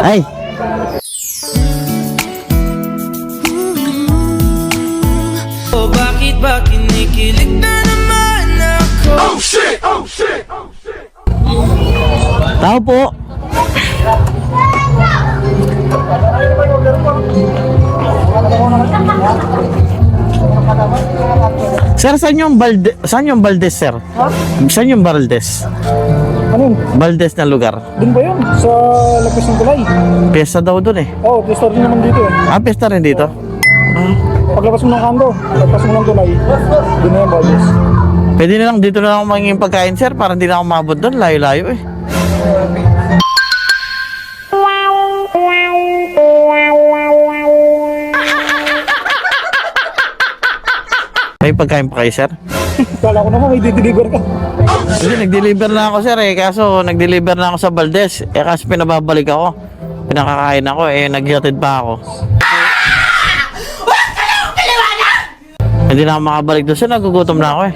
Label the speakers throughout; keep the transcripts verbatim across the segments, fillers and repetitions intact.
Speaker 1: Ay.
Speaker 2: Oh, bakit ba kinikilig na naman ako? Oh shit! Oh shit! Oh shit!
Speaker 1: Tao po. Sir, saan yung Balde, saan yung Baldes, sir?
Speaker 3: Ha?
Speaker 1: Saan yung Baldes?
Speaker 3: Ano yun?
Speaker 1: Baldes na lugar.
Speaker 3: Doon ba yun? Sa Lagpas ng Tulay?
Speaker 1: Piyesta daw dun eh.
Speaker 3: Oo, oh, pista rin naman dito eh.
Speaker 1: Ah, piyesta rin dito.
Speaker 3: Paglabas mo ng kando, lagpas mo ng Tulay, doon na yung Baldes.
Speaker 1: Pwede na lang dito na lang ako mangingin pagkain, sir, para hindi na ako mabot doon. Layo-layo eh. May pagkain pa kayo, sir?
Speaker 3: Kala ko naman may dideliver ka.
Speaker 1: Hindi, nag-deliver na ako, sir eh. Kaso, nag-deliver na ako sa Baldes. Eh, kaso pinababalik ako. Pinakakain ako eh. Nag-hatid pa ako. Hindi na ako makabalik doon, sir. Nagugutom na ako eh.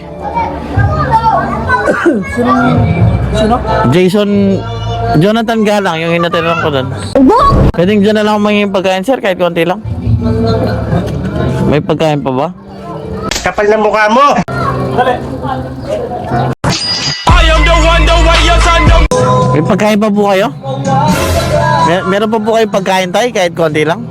Speaker 3: Sino? Sino?
Speaker 1: Jason... Jonathan Galang, yung hinatiran ko doon. Pwedeng dyan na lang ako mangingin pagkain, sir, kahit konti lang. May pagkain pa ba?
Speaker 4: Kapal na mukha mo!
Speaker 2: I am the one, the way your son don't...
Speaker 1: May pagkain pa po kayo? Mer meron pa po kayo pagkain tayo, kahit konti lang?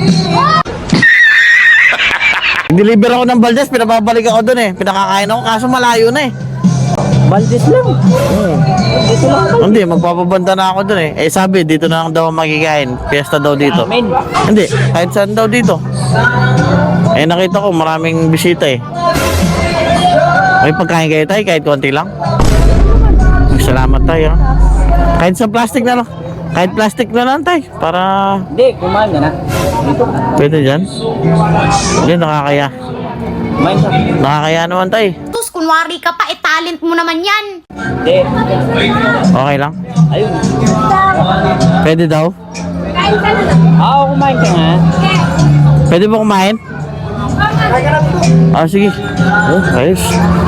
Speaker 1: Deliver ako ng Baldes, pinababalik ako doon eh. Pinakakain ako, kaso malayo na eh.
Speaker 3: Baldes lang.
Speaker 1: Hmm. Hindi, magpapabanda na ako doon eh. Eh sabi, dito na lang daw makikain. Fiesta daw dito.
Speaker 3: Amen.
Speaker 1: Hindi, kahit saan daw dito. Eh nakita ko maraming bisita eh. May pagkain kayo tayo, kahit konti lang. Salamat tayo. Kahit sa plastic na lang. Kahit plastic na lang tayo. Para...
Speaker 3: Hindi, kumain ka na. Dito ka.
Speaker 1: Pwede dyan? Hindi, nakakaya.
Speaker 3: Kumain ka.
Speaker 1: Nakakaya naman tayo.
Speaker 5: Tus, kunwari ka pa, eh talent mo naman yan.
Speaker 3: Hindi.
Speaker 1: Okay lang?
Speaker 3: Ayun.
Speaker 1: Pwede daw?
Speaker 3: Oo, kumain ka nga.
Speaker 1: Pwede ba kumain? Ah, sige. Oh, ayos.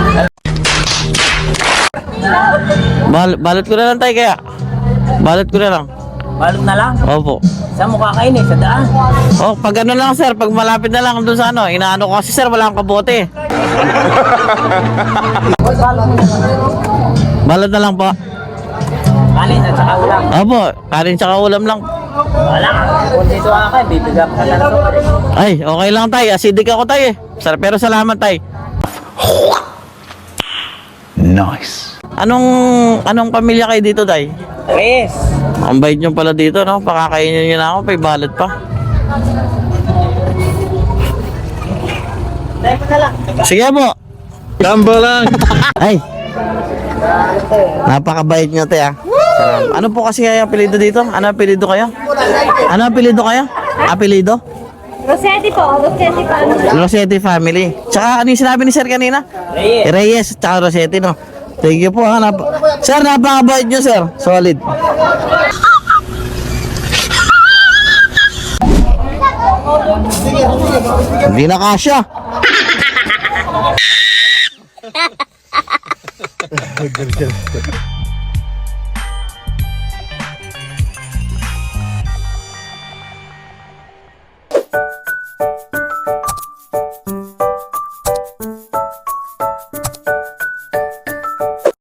Speaker 1: Bal balot ko na lang tayo kaya. Balot ko na lang.
Speaker 3: Balot na lang.
Speaker 1: Opo.
Speaker 3: Saan mo kakain eh? Sa daan.
Speaker 1: Oh, pag ano lang sir, pag malapit na lang doon sa ano, inaano ko kasi sir, wala akong kabote. Balot na lang po.
Speaker 3: Kanin at saka ulam.
Speaker 1: Opo, kanin tsaka ulam lang.
Speaker 3: Wala. Kung dito ka, bibigyan ka na lang.
Speaker 1: Ay, okay lang tayo. Acidic ako tayo eh. Sir, pero salamat tayo.
Speaker 4: Nice.
Speaker 1: Anong anong pamilya kayo dito, tay?
Speaker 3: Tres.
Speaker 1: Ang bait nyo pala dito, no? Pakakainin nyo na ako, may balot pa.
Speaker 3: Dahil mo na lang.
Speaker 1: Sige po.
Speaker 4: Gamba lang!
Speaker 1: Ay. Napakabait nyo, te, ah. Salam. Ano po kasi kayo apelido dito? Ano apelido kayo? Ano apelido kayo? Apelido?
Speaker 5: Rossetti po, Rossetti pa.
Speaker 1: Rossetti family. Tsaka ano yung sinabi ni sir kanina?
Speaker 3: Reyes.
Speaker 1: Reyes, tsaka Rossetti, no? Thank you po, ha. Nap sir, napakabait nyo, sir. Solid. Hindi na kasya.